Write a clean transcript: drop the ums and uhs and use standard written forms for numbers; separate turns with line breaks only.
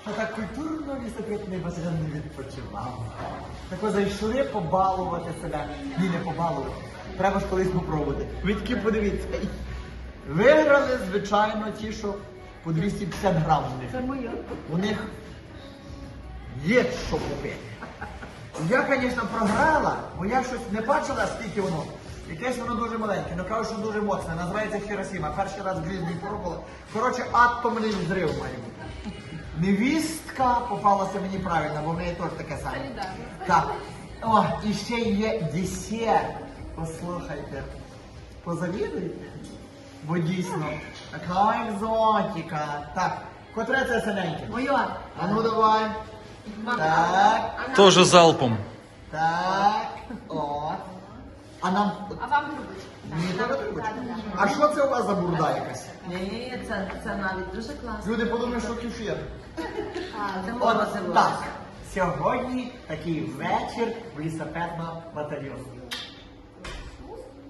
що так культурно лісопитний батальйон не відпочивав. Так ви зайшли побалувати себе. Ні, не побалувати. Треба ж колись попробувати. Ви таки подивіться. Виграли, звичайно, ті, що по 250 грам в них.
Це моє.
У них є що купити. Я, звісно, програла, бо я щось не бачила, скільки воно. Якесь воно дуже маленьке, але кажуть, що дуже моцне. Називається Хіросіма. Перший раз в житті пробувала. Коротше, атомний взрив має бути. Невістка попалася мені правильно, бо в неї теж таке саме. Так. О, і ще є десерт. Послухайте. Позавідуйте. Бо дійсно, така екзотика. Так, котре це синеньке?
Моє.
А ну давай. Так,
Тоже залпом.
так, от. А нам...
А вам трубочку?
Мені треба трубочку? А що це у вас за бурда якась?
Ні, це навіть дуже класно.
Люди подумають, що кефір.
Це
От
морозиво.
так. Сьогодні такий вечір в лісопедного батальйону.